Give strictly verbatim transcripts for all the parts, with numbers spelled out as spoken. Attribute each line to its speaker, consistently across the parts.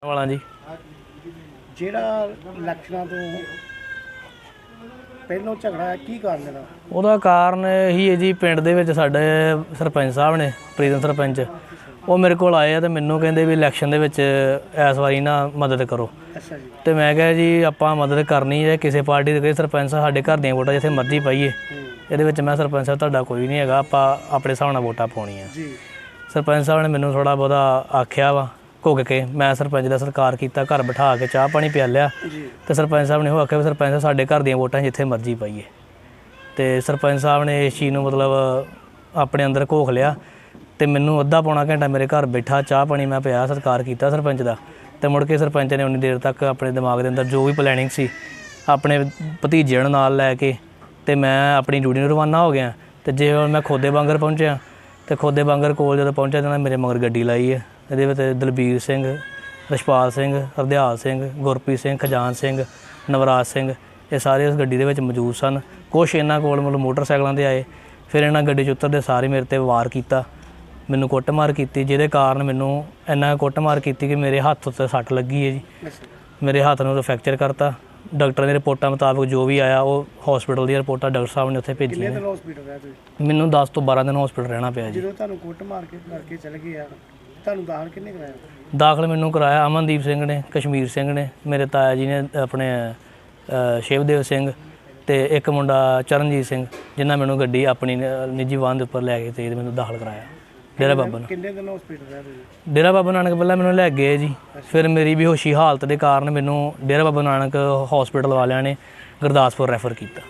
Speaker 1: ਵਾਲਾ ਜੀ
Speaker 2: ਜਿਹੜਾ ਇਲੈਕਸ਼ਨਾਂ ਤੋਂ ਪਹਿਲਾਂ ਝਗੜਾ ਹੈ, ਕੀ ਕਾਰਨ ਦਾ?
Speaker 1: ਉਹਦਾ ਕਾਰਨ ਇਹੀ ਹੈ ਜੀ, ਪਿੰਡ ਦੇ ਵਿੱਚ ਸਾਡੇ ਸਰਪੰਚ ਸਾਹਿਬ ਨੇ, ਪ੍ਰੀਤਮ ਸਰਪੰਚ, ਉਹ ਮੇਰੇ ਕੋਲ ਆਏ ਆ ਤੇ ਮੈਨੂੰ ਕਹਿੰਦੇ ਵੀ ਇਲੈਕਸ਼ਨ ਦੇ ਵਿੱਚ ਇਸ ਵਾਰੀ ਨਾ ਮਦਦ ਕਰੋ।
Speaker 2: ਅੱਛਾ ਜੀ।
Speaker 1: ਤੇ ਮੈਂ ਕਿਹਾ ਜੀ ਆਪਾਂ ਮਦਦ ਕਰਨੀ ਹੈ ਕਿਸੇ ਪਾਰਟੀ ਦੇ, ਸਰਪੰਚ ਸਾਹਿਬ ਸਾਡੇ ਘਰ ਦੀਆਂ ਵੋਟਾਂ ਜਿੱਥੇ ਮਰਜ਼ੀ ਪਾਈਏ, ਇਹਦੇ ਵਿੱਚ ਮੈਂ ਸਰਪੰਚ ਸਾਹਿਬ ਤੁਹਾਡਾ ਕੋਈ ਨਹੀਂ ਹੈਗਾ, ਆਪਾਂ ਆਪਣੇ ਹਿਸਾਬ ਨਾਲ ਵੋਟਾਂ ਪਾਉਣੀਆਂ ਜੀ। ਸਰਪੰਚ ਸਾਹਿਬ ਨੇ ਮੈਨੂੰ ਥੋੜ੍ਹਾ ਬਹੁਤਾ ਆਖਿਆ ਵਾ ਘੁੱਗ ਕੇ, ਮੈਂ ਸਰਪੰਚ ਦਾ ਸਤਿਕਾਰ ਕੀਤਾ, ਘਰ ਬਿਠਾ ਕੇ ਚਾਹ ਪਾਣੀ ਪਿਆ ਲਿਆ ਤੇ ਸਰਪੰਚ ਸਾਹਿਬ ਨੇ ਉਹ ਆਖਿਆ ਵੀ ਸਰਪੰਚ ਸਾਹਿਬ ਸਾਡੇ ਘਰ ਦੀਆਂ ਵੋਟਾਂ ਜਿੱਥੇ ਮਰਜ਼ੀ ਪਾਈਏ। ਤੇ ਸਰਪੰਚ ਸਾਹਿਬ ਨੇ ਇਸ ਚੀਜ਼ ਨੂੰ ਮਤਲਬ ਆਪਣੇ ਅੰਦਰ ਘੋਖ ਲਿਆ ਤੇ ਮੈਨੂੰ ਅੱਧਾ ਪੌਣਾ ਘੰਟਾ ਮੇਰੇ ਘਰ ਬੈਠਾ, ਚਾਹ ਪਾਣੀ ਮੈਂ ਪਿਆ, ਸਤਿਕਾਰ ਕੀਤਾ ਸਰਪੰਚ ਦਾ। ਤੇ ਮੁੜ ਕੇ ਸਰਪੰਚ ਨੇ ਉਨੀ ਦੇਰ ਤੱਕ ਆਪਣੇ ਦਿਮਾਗ ਦੇ ਅੰਦਰ ਜੋ ਵੀ ਪਲੈਨਿੰਗ ਸੀ ਆਪਣੇ ਭਤੀਜੇ ਨੂੰ ਨਾਲ ਲੈ ਕੇ ਤੇ ਮੈਂ ਆਪਣੀ ਡਿਊਟੀ ਨੂੰ ਰਵਾਨਾ ਹੋ ਗਿਆ। ਤੇ ਜੇ ਹੁਣ ਮੈਂ ਖੋਦੇ ਬਾਂਗਰ ਪਹੁੰਚਿਆ ਤੇ ਖੋਦੇ ਬਾਂਗਰ ਕੋਲ ਜਦੋਂ ਪਹੁੰਚਿਆ ਤਾਂ ਮੇਰੇ ਮਗਰ ਗੱਡੀ ਲਾਈ ਹੈ। ਇਹਦੇ ਵਿੱਚ ਦਲਬੀਰ ਸਿੰਘ, ਰਛਪਾਲ ਸਿੰਘ, ਹਰਦਿਆਲ ਸਿੰਘ, ਗੁਰਪ੍ਰੀਤ ਸਿੰਘ, ਖਜਾਨ ਸਿੰਘ, ਨਵਰਾਜ ਸਿੰਘ, ਇਹ ਸਾਰੇ ਉਸ ਗੱਡੀ ਦੇ ਵਿੱਚ ਮੌਜੂਦ ਸਨ। ਕੁਛ ਇਹਨਾਂ ਕੋਲ ਮਤਲਬ ਮੋਟਰਸਾਈਕਲਾਂ 'ਤੇ ਆਏ, ਫਿਰ ਇਹਨਾਂ ਗੱਡੀ 'ਚ ਉਤਰਦੇ ਸਾਰੇ ਮੇਰੇ 'ਤੇ ਵਾਰ ਕੀਤਾ, ਮੈਨੂੰ ਕੁੱਟਮਾਰ ਕੀਤੀ, ਜਿਹਦੇ ਕਾਰਨ ਮੈਨੂੰ ਇੰਨਾ ਕੁੱਟਮਾਰ ਕੀਤੀ ਕਿ ਮੇਰੇ ਹੱਥ ਉੱਤੇ ਸੱਟ ਲੱਗੀ ਹੈ ਜੀ। ਮੇਰੇ ਹੱਥ ਨੂੰ ਫ੍ਰੈਕਚਰ ਕਰਤਾ। ਡਾਕਟਰ ਦੀ ਰਿਪੋਰਟਾਂ ਮੁਤਾਬਕ ਜੋ ਵੀ ਆਇਆ ਉਹ ਹਸਪੀਟਲ ਦੀਆਂ ਰਿਪੋਰਟਾਂ ਡਾਕਟਰ ਸਾਹਿਬ ਨੇ ਉੱਥੇ ਭੇਜੀਆਂ।
Speaker 2: ਕਿੰਨੇ ਦਿਨ ਹਸਪੀਟਲ ਰਹੇ ਤੁਸੀਂ? ਮੈਨੂੰ
Speaker 1: ਦਸ ਤੋਂ ਬਾਰਾਂ ਦਿਨ ਹਸਪੀਟਲ ਰਹਿਣਾ ਪਿਆ ਜੀ।
Speaker 2: ਜਦੋਂ ਤੁਹਾਨੂੰ ਕੁੱਟ ਮਾਰ ਕੇ ਕਰਕੇ ਚਲੇ ਗਏ ਆ, ਤੁਹਾਨੂੰ ਦਾਖਲ ਕਿੰਨੇ ਕਰਾਇਆ?
Speaker 1: ਦਾਖਲ ਮੈਨੂੰ ਕਰਾਇਆ ਅਮਨਦੀਪ ਸਿੰਘ ਨੇ, ਕਸ਼ਮੀਰ ਸਿੰਘ ਨੇ, ਮੇਰੇ ਤਾਇਆ ਜੀ ਨੇ, ਆਪਣੇ ਸ਼ਿਵਦੇਵ ਸਿੰਘ ਤੇ ਇੱਕ ਮੁੰਡਾ ਚਰਨਜੀਤ ਸਿੰਘ, ਜਿਨ੍ਹਾਂ ਮੈਨੂੰ ਗੱਡੀ ਆਪਣੀ ਨਿੱਜੀ ਵਾਹਨ ਦੇ ਉੱਪਰ ਲੈ ਕੇ ਤੇ ਮੈਨੂੰ ਦਾਖਲ ਕਰਾਇਆ ਡੇਰਾ ਬਾਬਾ ਨਾਨਕ।
Speaker 2: ਕਿੰਨੇ ਦਿਨ ਹਸਪੀਟਲ ਰਹੇ ਤੁਸੀਂ?
Speaker 1: ਡੇਰਾ ਬਾਬਾ ਨਾਨਕ ਪਹਿਲਾਂ ਮੈਨੂੰ ਲੈ ਗਏ ਜੀ, ਫਿਰ ਮੇਰੀ ਬੇਹੋਸ਼ੀ ਹਾਲਤ ਦੇ ਕਾਰਨ ਮੈਨੂੰ ਡੇਰਾ ਬਾਬਾ ਨਾਨਕ ਹਸਪੀਟਲ ਵਾਲਿਆਂ ਨੇ ਗੁਰਦਾਸਪੁਰ ਰੈਫਰ ਕੀਤਾ।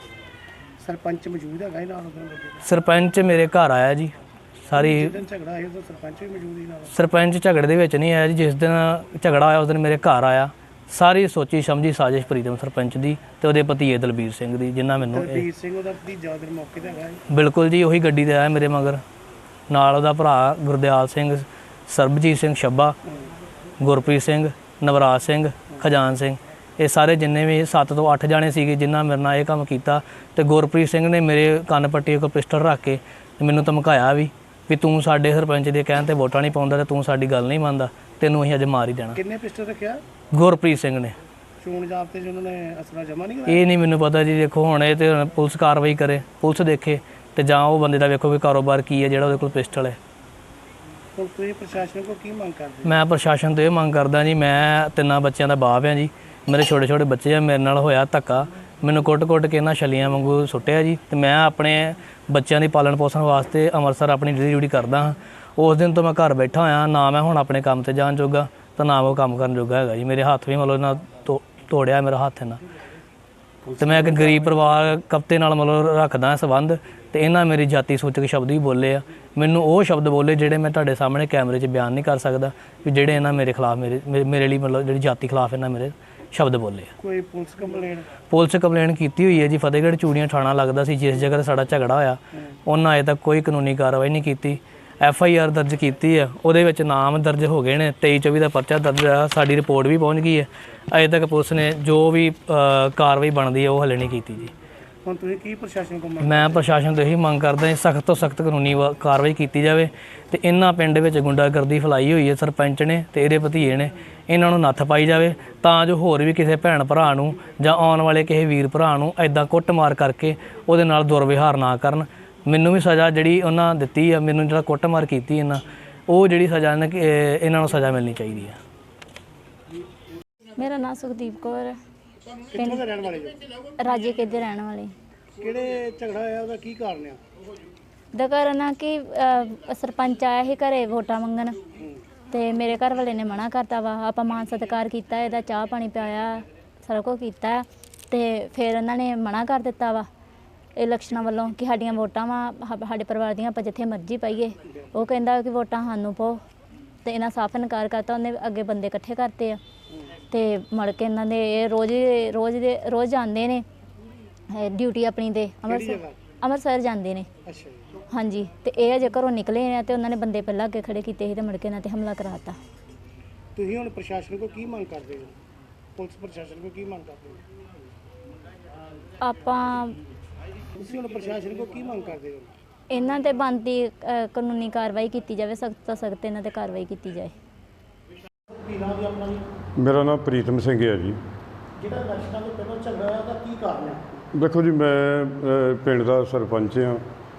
Speaker 2: ਸਰਪੰਚ ਮੌਜੂਦ ਹੈਗਾ ਨਾਲ?
Speaker 1: ਸਰਪੰਚ ਮੇਰੇ ਘਰ ਆਇਆ ਜੀ। ਸਾਰੀ
Speaker 2: ਝਗੜਾ ਹੋਇਆ ਤਾਂ ਸਰਪੰਚ ਵੀ ਮੌਜੂਦ ਹੀ ਨਾਲ? ਸਰਪੰਚ
Speaker 1: ਝਗੜੇ ਦੇ ਵਿੱਚ ਨਹੀਂ ਆਇਆ ਜੀ, ਜਿਸ ਦਿਨ ਝਗੜਾ ਹੋਇਆ ਉਸ ਦਿਨ ਮੇਰੇ ਘਰ ਆਇਆ। ਸਾਰੀ ਸੋਚੀ ਸਮਝੀ ਸਾਜ਼ਿਸ਼ ਪ੍ਰੀਤਮ ਸਰਪੰਚ ਦੀ ਤੇ ਉਹਦੇ ਭਤੀਜੇ ਦਲਬੀਰ ਸਿੰਘ ਦੀ, ਜਿਨ੍ਹਾਂ ਮੈਨੂੰ
Speaker 2: ਦਲਬੀਰ ਸਿੰਘ ਉਹਦਾ ਭਤੀਜਾ ਉਧਰ ਮੌਕੇ ਤੇ ਹੈਗਾ?
Speaker 1: ਬਿਲਕੁਲ ਜੀ, ਉਹੀ ਗੱਡੀ ਤੇ ਆਇਆ ਮੇਰੇ ਮਗਰ, ਨਾਲ ਉਹਦਾ ਭਰਾ ਗੁਰਦਿਆਲ ਸਿੰਘ, ਸਰਬਜੀਤ ਸਿੰਘ ਛੱਬਾ, ਗੁਰਪ੍ਰੀਤ ਸਿੰਘ, ਨਵਰਾਜ ਸਿੰਘ, ਖਜਾਨ ਸਿੰਘ, ਇਹ ਸਾਰੇ ਜਿੰਨੇ ਵੀ ਸੱਤ ਤੋਂ ਅੱਠ ਜਾਣੇ ਸੀਗੇ ਜਿਨ੍ਹਾਂ ਮੇਰੇ ਨਾਲ ਇਹ ਕੰਮ ਕੀਤਾ। ਤੇ ਗੁਰਪ੍ਰੀਤ ਸਿੰਘ ਨੇ ਮੇਰੇ ਕੰਨ ਪੱਟੀ ਕੋਲ ਪਿਸਟਲ ਰੱਖ ਕੇ ਮੈਨੂੰ ਧਮਕਾਇਆ ਵੀ ਵੀ ਤੂੰ ਸਾਡੇ ਸਰਪੰਚ ਦੇ ਕਹਿਣ ਤੇ ਵੋਟਾਂ ਨਹੀਂ ਪਾਉਂਦਾ ਤੇ ਤੂੰ ਸਾਡੀ ਗੱਲ ਨਹੀਂ ਮੰਨਦਾ, ਤੈਨੂੰ ਅਸੀਂ ਅੱਜ ਮਾਰ ਹੀ ਦੇਣਾ।
Speaker 2: ਕਿੰਨੇ ਪਿਸਟਲ ਰੱਖਿਆ?
Speaker 1: ਗੁਰਪ੍ਰੀਤ ਸਿੰਘ ਨੇ।
Speaker 2: ਚੋਣ ਜ਼ਾਬਤੇ 'ਚ ਉਹਨਾਂ ਨੇ ਅਸਲਾ ਜਮ੍ਹਾਂ ਨਹੀਂ ਕਰਾਇਆ?
Speaker 1: ਇਹ ਨਹੀਂ ਮੈਨੂੰ ਪਤਾ ਜੀ। ਦੇਖੋ ਹੁਣ ਇਹ ਤੇ ਪੁਲਿਸ ਕਾਰਵਾਈ ਕਰੇ, ਪੁਲਿਸ ਦੇਖੇ ਤੇ ਜਾਂ ਉਹ ਬੰਦੇ ਦਾ ਵੇਖੋ ਵੀ ਕਾਰੋਬਾਰ ਕੀ ਹੈ ਜਿਹੜਾ ਉਹਦੇ ਕੋਲ ਪਿਸਟਲ ਹੈ।
Speaker 2: ਹੁਣ ਤੁਸੀਂ ਪ੍ਰਸ਼ਾਸਨ ਕੋਲ ਕੀ ਮੰਗ ਕਰਦੇ?
Speaker 1: ਮੈਂ ਪ੍ਰਸ਼ਾਸਨ ਤੋਂ ਇਹ ਮੰਗ ਕਰਦਾ ਜੀ, ਮੈਂ ਤਿੰਨਾਂ ਬੱਚਿਆਂ ਦਾ ਬਾਪ ਹਾਂ ਜੀ, ਮੇਰੇ ਛੋਟੇ ਛੋਟੇ ਬੱਚੇ ਆ, ਮੇਰੇ ਨਾਲ ਹੋਇਆ ਧੱਕਾ, ਮੈਨੂੰ ਕੁੱਟ-ਕੁੱਟ ਕੇ ਇਹਨਾਂ ਛਲੀਆਂ ਵਾਂਗੂ ਸੁੱਟਿਆ ਜੀ। ਤੇ ਮੈਂ ਆਪਣੇ ਬੱਚਿਆਂ ਦੀ ਪਾਲਣ ਪੋਸ਼ਣ ਵਾਸਤੇ ਅੰਮ੍ਰਿਤਸਰ ਆਪਣੀ ਡਿਊਟੀ ਡਿਊਟੀ ਕਰਦਾ ਹਾਂ। ਉਸ ਦਿਨ ਤੋਂ ਮੈਂ ਘਰ ਬੈਠਾ ਹੋਇਆ, ਨਾ ਮੈਂ ਹੁਣ ਆਪਣੇ ਕੰਮ ਤੇ ਜਾਣ ਜੋਗਾ ਤਾਂ ਨਾ ਉਹ ਕੰਮ ਕਰਨ ਜੋਗਾ ਹੈਗਾ ਜੀ। ਮੇਰੇ ਹੱਥ ਵੀ ਮਤਲਬ ਨਾ ਤੋੜਿਆ ਮੇਰਾ ਹੱਥ ਇਹਨਾਂ, ਤੇ ਮੈਂ ਇੱਕ ਗਰੀਬ ਪਰਿਵਾਰ ਕਪਤੇ ਨਾਲ ਮਤਲਬ ਰੱਖਦਾ ਸੰਬੰਧ, ਤੇ ਇਹਨਾਂ ਮੇਰੀ ਜਾਤੀ ਸੂਚਕ ਸ਼ਬਦ ਵੀ ਬੋਲੇ ਆ। ਮੈਨੂੰ ਉਹ ਸ਼ਬਦ ਬੋਲੇ ਜਿਹੜੇ ਮੈਂ ਤੁਹਾਡੇ ਸਾਹਮਣੇ ਕੈਮਰੇ 'ਚ ਬਿਆਨ ਨਹੀਂ ਕਰ ਸਕਦਾ, ਵੀ ਜਿਹੜੇ ਇਹਨਾਂ ਮੇਰੇ ਖਿਲਾਫ ਮੇਰੇ ਮੇਰੇ ਲਈ ਮਤਲਬ ਜਿਹੜੀ ਜਾਤੀ ਖਿਲਾਫ ਇਹਨਾਂ ਮੇਰੇ ਸ਼ਬਦ ਬੋਲੇ ਆ।
Speaker 2: ਕੋਈ ਪੁਲਿਸ ਕੰਪਲੇਂਟ? ਪੁਲਿਸ
Speaker 1: ਕੰਪਲੇਂਟ ਕੀਤੀ ਹੋਈ ਹੈ ਜੀ। ਫਤਿਹਗੜ੍ਹ ਚੂੜੀਆਂ ਥਾਣਾ ਲੱਗਦਾ ਸੀ ਜਿਸ ਜਗ੍ਹਾ 'ਤੇ ਸਾਡਾ ਝਗੜਾ ਹੋਇਆ, ਉਹਨਾਂ ਅਜੇ ਤੱਕ ਕੋਈ ਕਾਨੂੰਨੀ ਕਾਰਵਾਈ ਨਹੀਂ ਕੀਤੀ। ਐਫ ਆਈ ਆਰ ਦਰਜ ਕੀਤੀ ਹੈ, ਉਹਦੇ ਵਿੱਚ ਨਾਮ ਦਰਜ ਹੋ ਗਏ ਨੇ, ਤੇਈ ਚੌਵੀ ਦਾ ਪਰਚਾ ਦਰਜ ਹੋਇਆ, ਸਾਡੀ ਰਿਪੋਰਟ ਵੀ ਪਹੁੰਚ ਗਈ ਹੈ। ਅਜੇ ਤੱਕ ਪੁਲਿਸ ਨੇ ਜੋ ਵੀ ਕਾਰਵਾਈ ਬਣਦੀ ਹੈ ਉਹ ਹਲੇ ਨਹੀਂ ਕੀਤੀ ਜੀ।
Speaker 2: ਹੁਣ ਤੁਸੀਂ ਕੀ ਪ੍ਰਸ਼ਾਸਨ ਕੋਲ ਮੰਗ?
Speaker 1: ਮੈਂ ਪ੍ਰਸ਼ਾਸਨ ਤੋਂ ਇਹੀ ਮੰਗ ਕਰਦਾ ਸਖਤ ਤੋਂ ਸਖਤ ਕਾਨੂੰਨੀ ਕਾਰਵਾਈ ਕੀਤੀ ਜਾਵੇ ਤੇ ਇਹਨਾਂ ਪਿੰਡ ਵਿੱਚ ਗੁੰਡਾਗਰਦੀ ਫੈਲਾਈ ਹੋਈ ਹੈ ਸਰਪੰਚ ਨੇ ਤੇ ਇਹਦੇ ਭਤੀਜੇ ਨੇ, ਇਹਨਾਂ ਨੂੰ ਨੱਥ ਪਾਈ ਜਾਵੇ ਤਾਂ ਜੋ ਹੋਰ ਵੀ ਕਿਸੇ ਭੈਣ ਭਰਾ ਨੂੰ ਜਾਂ ਆਉਣ ਵਾਲੇ ਕਿਸੇ ਵੀਰ ਭਰਾ ਨੂੰ ਐਦਾਂ ਕੁੱਟਮਾਰ ਕਰਕੇ ਉਹਦੇ ਨਾਲ ਦੁਰਵਿਹਾਰ ਨਾ ਕਰਨ। ਮੈਨੂੰ ਵੀ ਸਜ਼ਾ ਜਿਹੜੀ ਉਹਨਾਂ ਦਿੱਤੀ ਆ, ਮੈਨੂੰ ਜਿਹੜਾ ਕੁੱਟਮਾਰ ਕੀਤੀ ਇਹਨਾਂ, ਉਹ ਜਿਹੜੀ ਸਜ਼ਾ ਇਹਨਾਂ ਨੂੰ ਸਜ਼ਾ ਮਿਲਣੀ ਚਾਹੀਦੀ ਆ।
Speaker 3: ਮੇਰਾ ਨਾਮ ਸੁਖਦੀਪ ਕੌਰ ਹੈ।
Speaker 2: ਕਿੱਥੋਂ ਦੇ ਰਹਿਣ ਵਾਲੇ ਜੀ?
Speaker 3: ਰਾਜੇ ਕੇ ਦੇ ਰਹਿਣ ਵਾਲੇ।
Speaker 2: ਕਿਹੜੇ ਝਗੜਾ ਹੋਇਆ, ਉਹਦਾ ਕੀ ਕਾਰਨ ਆ?
Speaker 3: ਦਾ ਕਾਰਨ ਆ ਕਿ ਸਰਪੰਚ ਆਇਆ ਸੀ ਘਰੇ ਵੋਟਾਂ ਮੰਗਣ ਤੇ ਮੇਰੇ ਘਰ ਵਾਲੇ ਨੇ ਮਨਾ ਕਰਤਾ ਵਾ। ਆਪਾਂ ਮਾਨ ਸਤਿਕਾਰ ਕੀਤਾ, ਇਹਦਾ ਚਾਹ ਪਾਣੀ ਪਿਆਇਆ, ਸਾਰਾ ਕੁਝ ਕੀਤਾ ਤੇ ਫਿਰ ਇਹਨਾਂ ਨੇ ਮਨਾ ਕਰ ਦਿੱਤਾ ਵਾ ਇਲੈਕਸ਼ਨਾਂ ਵੱਲੋਂ ਕਿ ਸਾਡੀਆਂ ਵੋਟਾਂ ਵਾ, ਸਾਡੇ ਪਰਿਵਾਰ ਦੀਆਂ, ਆਪਾਂ ਜਿੱਥੇ ਮਰਜ਼ੀ ਪਾਈਏ। ਉਹ ਕਹਿੰਦਾ ਕਿ ਵੋਟਾਂ ਸਾਨੂੰ ਪਾਓ ਤੇ ਇਹਨਾਂ ਸਾਫ਼ ਇਨਕਾਰ ਕਰਤਾ। ਉਹਨੇ ਅੱਗੇ ਬੰਦੇ ਇਕੱਠੇ ਕਰਤੇ ਆ ਤੇ ਮੁੜ ਕੇ ਇਹਨਾਂ ਦੇ ਇਹ ਰੋਜ਼ ਰੋਜ਼ ਦੇ ਰੋਜ਼ ਜਾਂਦੇ ਨੇ ਡਿਊਟੀ ਆਪਣੀ ਤੇ ਅੰਮ੍ਰਿਤਸਰ ਅੰਮ੍ਰਿਤਸਰ ਜਾਂਦੇ ਨੇ। ਹਾਂਜੀ, ਤੇ ਇਹ ਅਜੇ ਘਰੋਂ ਨਿਕਲੇ ਨੇ ਤੇ ਉਹਨਾਂ ਨੇ ਬੰਦੇ ਪਹਿਲਾਂ ਅੱਗੇ ਖੜੇ ਕੀਤੇ ਸੀ ਤੇ ਮੁੜ ਕੇ ਇਹਨਾਂ ਤੇ ਹਮਲਾ ਕਰਾਤਾ।
Speaker 2: ਤੁਸੀਂ ਹੁਣ ਪ੍ਰਸ਼ਾਸਨ ਕੋਲ ਕੀ ਮੰਗ ਕਰਦੇ ਹੋ? ਪੁਲਿਸ ਪ੍ਰਸ਼ਾਸਨ ਕੋਲ ਕੀ ਮੰਗ ਕਰਦੇ ਹੋ?
Speaker 3: ਆਪਾਂ
Speaker 2: ਤੁਸੀਂ ਹੁਣ ਪ੍ਰਸ਼ਾਸਨ ਕੋਲ ਕੀ ਮੰਗ ਕਰਦੇ ਹੋ?
Speaker 3: ਇਹਨਾਂ ਤੇ ਬਣਦੀ ਕਾਨੂੰਨੀ ਕਾਰਵਾਈ ਕੀਤੀ ਜਾਵੇ, ਸਖਤ ਤੋਂ ਸਖਤ ਇਹਨਾਂ ਤੇ ਕਾਰਵਾਈ ਕੀਤੀ ਜਾਏ।
Speaker 2: ਨਾਮ ਦੀ ਆਪਣਾ ਜੀ?
Speaker 4: ਮੇਰਾ ਨਾਮ ਪ੍ਰੀਤਮ ਸਿੰਘ ਹੈ ਜੀ।
Speaker 2: ਜਿਹੜਾ ਇਲੈਕਸ਼ਨਾਂ ਤੋਂ ਪਹਿਲਾਂ ਝਗੜਾ ਹੋਇਆ ਉਹਦਾ ਕੀ ਕਾਰਨ ਹੈ?
Speaker 4: ਦੇਖੋ ਜੀ, ਮੈਂ ਅ, ਪਿੰਡ ਦਾ ਸਰਪੰਚ ਹਾਂ।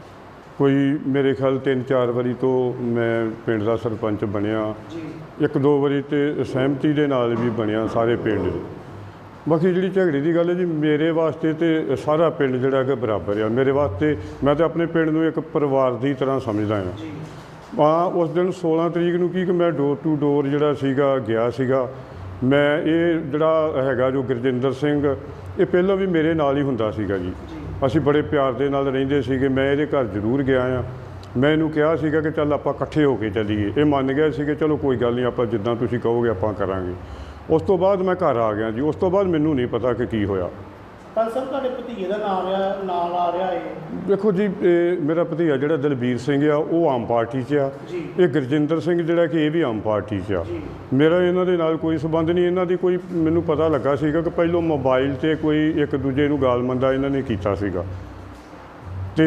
Speaker 4: ਕੋਈ ਮੇਰੇ ਖਿਆਲ ਤਿੰਨ ਚਾਰ ਵਾਰੀ ਤੋਂ ਮੈਂ ਪਿੰਡ ਦਾ ਸਰਪੰਚ ਬਣਿਆ।
Speaker 2: ਜੀ
Speaker 4: ਇੱਕ ਦੋ ਵਾਰੀ ਤੇ ਸਹਿਮਤੀ ਦੇ ਨਾਲ ਵੀ ਬਣਿਆ ਸਾਰੇ ਪਿੰਡ। ਬਾਕੀ ਜਿਹੜੀ ਝਗੜੇ ਦੀ ਗੱਲ ਹੈ ਜੀ, ਮੇਰੇ ਵਾਸਤੇ ਤੇ ਸਾਰਾ ਪਿੰਡ ਜਿਹੜਾ ਕਿ ਬਰਾਬਰ ਆ। ਮੇਰੇ ਵਾਸਤੇ ਮੈਂ ਤਾਂ ਆਪਣੇ ਪਿੰਡ ਨੂੰ ਇੱਕ ਪਰਿਵਾਰ ਦੀ ਤਰ੍ਹਾਂ ਸਮਝਦਾ ਹਾਂ।
Speaker 2: ਜੀ
Speaker 4: ਹਾਂ, ਉਸ ਦਿਨ ਸੋਲਾਂ ਤਰੀਕ ਨੂੰ ਕੀ ਕਿ ਮੈਂ ਡੋਰ ਟੂ ਡੋਰ ਜਿਹੜਾ ਸੀਗਾ ਗਿਆ ਸੀਗਾ। ਮੈਂ ਇਹ ਜਿਹੜਾ ਹੈਗਾ ਜੋ ਗੁਰਜਿੰਦਰ ਸਿੰਘ, ਇਹ ਪਹਿਲਾਂ ਵੀ ਮੇਰੇ ਨਾਲ ਹੀ ਹੁੰਦਾ ਸੀਗਾ ਜੀ। ਅਸੀਂ ਬੜੇ ਪਿਆਰ ਦੇ ਨਾਲ ਰਹਿੰਦੇ ਸੀਗੇ। ਮੈਂ ਇਹਦੇ ਘਰ ਜ਼ਰੂਰ ਗਿਆ ਆ। ਮੈਂ ਇਹਨੂੰ ਕਿਹਾ ਸੀਗਾ ਕਿ ਚੱਲ ਆਪਾਂ ਇਕੱਠੇ ਹੋ ਕੇ ਚੱਲੀਏ। ਇਹ ਮੰਨ ਗਿਆ ਸੀ ਕਿ ਚਲੋ ਕੋਈ ਗੱਲ ਨਹੀਂ, ਆਪਾਂ ਜਿੱਦਾਂ ਤੁਸੀਂ ਕਹੋਗੇ ਆਪਾਂ ਕਰਾਂਗੇ। ਉਸ ਤੋਂ ਬਾਅਦ ਮੈਂ ਘਰ ਆ ਗਿਆ ਜੀ। ਉਸ ਤੋਂ ਬਾਅਦ ਮੈਨੂੰ ਨਹੀਂ ਪਤਾ ਕਿ ਕੀ ਹੋਇਆ।
Speaker 2: ਪਰ ਸਰ ਤੁਹਾਡੇ ਭਤੀਜੇ ਦਾ ਨਾਮ ਆ ਨਾਲ ਆ ਰਿਹਾ ਹੈ।
Speaker 4: ਦੇਖੋ ਜੀ, ਇਹ ਮੇਰਾ ਭਤੀਜਾ ਜਿਹੜਾ ਦਲਬੀਰ ਸਿੰਘ ਆ, ਉਹ ਆਮ ਪਾਰਟੀ 'ਚ ਆ।
Speaker 2: ਜੀ
Speaker 4: ਇਹ ਗੁਰਜਿੰਦਰ ਸਿੰਘ ਜਿਹੜਾ ਕਿ ਇਹ ਵੀ ਆਮ ਪਾਰਟੀ 'ਚ ਆ।
Speaker 2: ਜੀ
Speaker 4: ਮੇਰਾ ਇਹਨਾਂ ਦੇ ਨਾਲ ਕੋਈ ਸੰਬੰਧ ਨਹੀਂ। ਇਹਨਾਂ ਦੀ ਕੋਈ ਮੈਨੂੰ ਪਤਾ ਲੱਗਾ ਸੀਗਾ ਕਿ ਪਹਿਲੋਂ ਮੋਬਾਈਲ 'ਤੇ ਕੋਈ ਇੱਕ ਦੂਜੇ ਨੂੰ ਗਾਲ ਮੰਦਾ ਇਹਨਾਂ ਨੇ ਕੀਤਾ ਸੀਗਾ। ਅਤੇ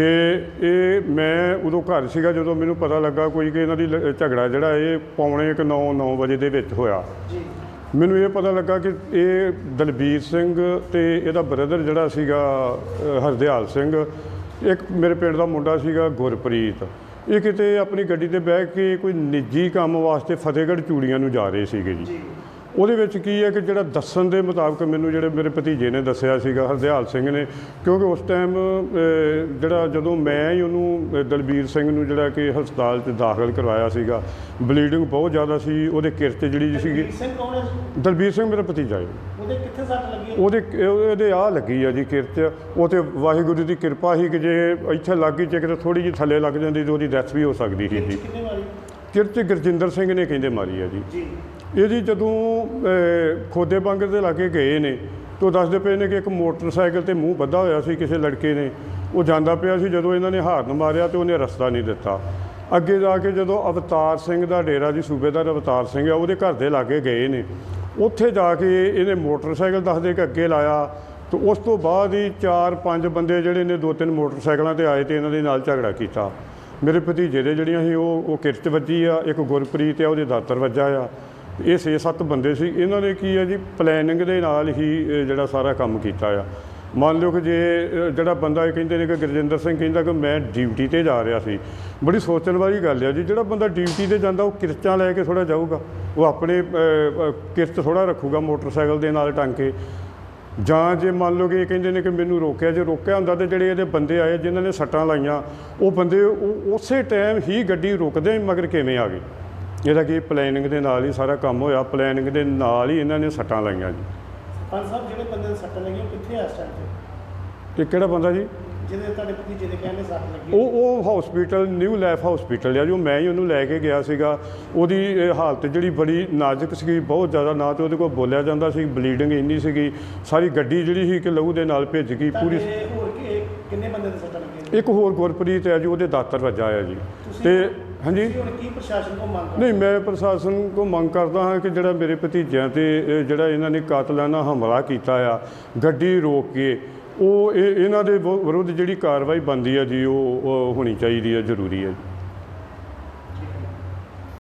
Speaker 4: ਇਹ ਮੈਂ ਉਦੋਂ ਘਰ ਸੀਗਾ ਜਦੋਂ ਮੈਨੂੰ ਪਤਾ ਲੱਗਾ ਕੋਈ ਕਿ ਇਹਨਾਂ ਦੀ ਲ- ਝਗੜਾ ਜਿਹੜਾ ਇਹ ਪੌਣੇ ਇੱਕ ਨੌ ਨੌ ਵਜੇ ਦੇ ਵਿੱਚ ਹੋਇਆ।
Speaker 2: ਜੀ
Speaker 4: ਮੈਨੂੰ ਇਹ ਪਤਾ ਲੱਗਾ ਕਿ ਇਹ ਦਲਬੀਰ ਸਿੰਘ ਅਤੇ ਇਹਦਾ ਬ੍ਰਦਰ ਜਿਹੜਾ ਸੀਗਾ ਅ, ਹਰਦਿਆਲ ਸਿੰਘ, ਇੱਕ ਮੇਰੇ ਪਿੰਡ ਦਾ ਮੁੰਡਾ ਸੀਗਾ ਗੁਰਪ੍ਰੀਤ, ਇਹ ਕਿਤੇ ਆਪਣੀ ਗੱਡੀ 'ਤੇ ਬਹਿ ਕੇ ਕੋਈ ਨਿੱਜੀ ਕੰਮ ਵਾਸਤੇ ਫਤਿਹਗੜ੍ਹ ਚੂੜੀਆਂ ਨੂੰ ਜਾ ਰਹੇ ਸੀਗੇ ਜੀ।
Speaker 2: ਜੀ
Speaker 4: ਉਹਦੇ ਵਿੱਚ ਕੀ ਹੈ ਕਿ ਜਿਹੜਾ ਦੱਸਣ ਦੇ ਮੁਤਾਬਕ ਮੈਨੂੰ ਜਿਹੜੇ ਮੇਰੇ ਭਤੀਜੇ ਨੇ ਦੱਸਿਆ ਸੀਗਾ, ਹਰਦਿਆਲ ਸਿੰਘ ਨੇ, ਕਿਉਂਕਿ ਉਸ ਟਾਈਮ ਜਿਹੜਾ ਜਦੋਂ ਮੈਂ ਹੀ ਉਹਨੂੰ ਅ, ਦਲਬੀਰ ਸਿੰਘ ਨੂੰ ਜਿਹੜਾ ਕਿ ਹਸਪਤਾਲ 'ਚ ਦਾਖਲ ਕਰਵਾਇਆ ਸੀਗਾ, ਬਲੀਡਿੰਗ ਬਹੁਤ ਜ਼ਿਆਦਾ ਸੀ। ਉਹਦੇ ਕਿਰਚ ਜਿਹੜੀ ਸੀਗੀ।
Speaker 2: ਦਲਬੀਰ ਸਿੰਘ ਕੌਣ ਹੈ ਜੀ?
Speaker 4: ਦਲਬੀਰ ਸਿੰਘ ਮੇਰਾ ਭਤੀਜਾ ਹੈ।
Speaker 2: ਉਹਦੇ ਕਿੱਥੇ ਸੱਟ ਲੱਗੀ ਹੈ?
Speaker 4: ਉਹਦੇ ਉਹਦੇ ਆਹ ਲੱਗੀ ਆ ਜੀ ਕਿਰਚ। ਉਹ ਤੇ ਵਾਹਿਗੁਰੂ ਦੀ ਕਿਰਪਾ ਸੀ ਕਿ ਜੇ ਇੱਥੇ ਲੱਗ ਗਈ, ਜੇ ਕਿਤੇ ਥੋੜ੍ਹੀ ਜਿਹੀ ਥੱਲੇ ਲੱਗ ਜਾਂਦੀ ਤਾਂ ਉਹਦੀ ਡੈਥ ਵੀ ਹੋ ਸਕਦੀ ਸੀ ਜੀ।
Speaker 2: ਕਿੰਨੇ ਵਾਰੀ?
Speaker 4: ਕਿਰਚ ਗੁਰਜਿੰਦਰ ਸਿੰਘ ਨੇ ਕਹਿੰਦੇ ਮਾਰੀ ਆ ਜੀ।
Speaker 2: ਜੀ
Speaker 4: ਇਹ ਜੀ ਜਦੋਂ ਅ, ਖੋਦੇ ਬੰਗਰ ਦੇ ਲਾਗੇ ਗਏ ਨੇ ਤਾਂ ਉਹ ਦੱਸਦੇ ਪਏ ਨੇ ਕਿ ਇੱਕ ਮੋਟਰਸਾਈਕਲ 'ਤੇ ਮੂੰਹ ਬੱਧਾ ਹੋਇਆ ਸੀ ਕਿਸੇ ਲੜਕੇ ਨੇ। ਉਹ ਜਾਂਦਾ ਪਿਆ ਸੀ। ਜਦੋਂ ਇਹਨਾਂ ਨੇ ਹਾਰਨ ਮਾਰਿਆ ਤਾਂ ਉਹਨੇ ਰਸਤਾ ਨਹੀਂ ਦਿੱਤਾ। ਅੱਗੇ ਜਾ ਕੇ ਜਦੋਂ ਅਵਤਾਰ ਸਿੰਘ ਦਾ ਡੇਰਾ ਜੀ, ਸੂਬੇਦਾਰ ਅਵਤਾਰ ਸਿੰਘ ਆ, ਉਹਦੇ ਘਰ ਦੇ ਲਾਗੇ ਗਏ ਨੇ। ਉੱਥੇ ਜਾ ਕੇ ਇਹਨੇ ਮੋਟਰਸਾਈਕਲ ਦੱਸਦੇ ਕਿ ਅੱਗੇ ਲਾਇਆ। ਤਾਂ ਉਸ ਤੋਂ ਬਾਅਦ ਹੀ ਚਾਰ ਪੰਜ ਬੰਦੇ ਜਿਹੜੇ ਨੇ ਦੋ ਤਿੰਨ ਮੋਟਰਸਾਈਕਲਾਂ 'ਤੇ ਆਏ ਅਤੇ ਇਹਨਾਂ ਦੇ ਨਾਲ ਝਗੜਾ ਕੀਤਾ। ਮੇਰੇ ਭਤੀਜੇ ਦੇ ਜਿਹੜੀਆਂ ਸੀ ਉਹ ਉਹ ਕਿਰਚ ਵੱਜੀ ਆ। ਇੱਕ ਗੁਰਪ੍ਰੀਤ ਆ, ਉਹਦੇ ਦਾਤਰ ਵੱਜਾ ਆ। ਇਹ ਛੇ ਸੱਤ ਬੰਦੇ ਸੀ। ਇਹਨਾਂ ਨੇ ਕੀ ਹੈ ਜੀ, ਪਲੈਨਿੰਗ ਦੇ ਨਾਲ ਹੀ ਇਹ ਜਿਹੜਾ ਸਾਰਾ ਕੰਮ ਕੀਤਾ ਆ। ਮੰਨ ਲਓ ਕਿ ਜੇ ਅ, ਜਿਹੜਾ ਬੰਦਾ ਇਹ ਕਹਿੰਦੇ ਨੇ ਕਿ ਗੁਰਜਿੰਦਰ ਸਿੰਘ ਕਹਿੰਦਾ ਕਿ ਮੈਂ ਡਿਊਟੀ 'ਤੇ ਜਾ ਰਿਹਾ ਸੀ, ਬੜੀ ਸੋਚਣ ਵਾਲੀ ਗੱਲ ਆ ਜੀ। ਜਿਹੜਾ ਬੰਦਾ ਡਿਊਟੀ 'ਤੇ ਜਾਂਦਾ ਉਹ ਕਿਰਚਾਂ ਲੈ ਕੇ ਥੋੜ੍ਹਾ ਜਾਊਗਾ। ਉਹ ਆਪਣੇ ਅ, ਅ, ਕਿਰਚ ਥੋੜ੍ਹਾ ਰੱਖੂਗਾ ਮੋਟਰਸਾਈਕਲ ਦੇ ਨਾਲ ਟੰਗ ਕੇ। ਜਾਂ ਜੇ ਮੰਨ ਲਓ ਕਿ ਇਹ ਕਹਿੰਦੇ ਨੇ ਕਿ ਮੈਨੂੰ ਰੋਕਿਆ, ਜੇ ਰੋਕਿਆ ਹੁੰਦਾ ਤਾਂ ਜਿਹੜੇ ਇਹਦੇ ਬੰਦੇ ਆਏ ਜਿਨ੍ਹਾਂ ਨੇ ਸੱਟਾਂ ਲਾਈਆਂ, ਉਹ ਬੰਦੇ ਉਹ ਉਸੇ ਟਾਈਮ ਹੀ ਗੱਡੀ ਰੁਕਦੇ ਮਗਰ ਕਿਵੇਂ ਆ ਗਏ? ਇਹਦਾ ਕੀ ਪਲੈਨਿੰਗ ਦੇ ਨਾਲ ਹੀ ਸਾਰਾ ਕੰਮ ਹੋਇਆ। ਪਲੈਨਿੰਗ ਦੇ ਨਾਲ ਹੀ ਇਹਨਾਂ ਨੇ ਸੱਟਾਂ ਲਾਈਆਂ ਜੀ।
Speaker 2: ਪੰਜ ਸਾਹਿਬ, ਜਿਹੜੇ ਬੰਦੇ ਦੇ ਸੱਟ ਲੱਗੀ ਉਹ ਕਿੱਥੇ ਆ ਇਸ ਟਾਈਮ 'ਤੇ?
Speaker 4: ਇਹ ਕਿਹੜਾ ਬੰਦਾ ਜੀ?
Speaker 2: ਜਿਹਦੇ ਤੁਹਾਡੇ ਭਤੀਜੇ ਦੇ ਕਹਿੰਦੇ ਸੱਟ ਲੱਗੀ?
Speaker 4: ਉਹ ਉਹ ਹਸਪੀਟਲ ਨਿਊ ਲਾਈਫ ਹਸਪੀਟਲ ਆ ਜੋ ਮੈਂ ਹੀ ਉਹਨੂੰ ਲੈ ਕੇ ਗਿਆ ਸੀਗਾ। ਉਹਦੀ ਇਹ ਹਾਲਤ ਜਿਹੜੀ ਬੜੀ ਨਾਜ਼ੁਕ ਸੀਗੀ, ਬਹੁਤ ਜ਼ਿਆਦਾ। ਨਾ ਤਾਂ ਉਹਦੇ ਕੋਲ ਬੋਲਿਆ ਜਾਂਦਾ ਸੀ, ਬਲੀਡਿੰਗ ਇੰਨੀ ਸੀਗੀ। ਸਾਰੀ ਗੱਡੀ ਜਿਹੜੀ ਸੀ ਕਿ ਲਹੂ ਦੇ ਨਾਲ ਭਿੱਜ ਗਈ ਪੂਰੀ।
Speaker 2: ਤੁਹਾਡੇ ਹੋਰ ਕਿ- ਕਿੰਨੇ ਬੰਦੇ ਦੇ ਸੱਟ ਲੱਗੀ?
Speaker 4: ਇੱਕ ਹੋਰ ਗੁਰਪ੍ਰੀਤ ਹੈ ਜੀ, ਉਹਦੇ ਦਾਤਰ ਵੱਜਾ ਆ ਜੀ। ਤੇ ਹਾਂਜੀ,
Speaker 2: ਤੁਸੀਂ ਹੁਣ ਕੀ ਪ੍ਰਸ਼ਾਸਨ ਕੋਲ ਮੰਗ ਕਰਦੇ?
Speaker 4: ਨਹੀਂ, ਮੈਂ ਪ੍ਰਸ਼ਾਸਨ ਕੋਲ ਮੰਗ ਕਰਦਾ ਹਾਂ ਕਿ ਜਿਹੜਾ ਮੇਰੇ ਭਤੀਜਿਆਂ 'ਤੇ ਇਹ ਜਿਹੜਾ ਇਹਨਾਂ ਨੇ ਕਾਤਲਾਨਾ ਹਮਲਾ ਕੀਤਾ ਆ ਗੱਡੀ ਰੋਕ ਕੇ, ਉਹ ਇਹ ਇਹਨਾਂ ਦੇ ਵਿਰੁੱਧ ਜਿਹੜੀ ਕਾਰਵਾਈ ਬਣਦੀ ਆ ਜੀ ਉਹ ਉਹ ਹੋਣੀ ਚਾਹੀਦੀ ਹੈ, ਜ਼ਰੂਰੀ ਹੈ ਜੀ।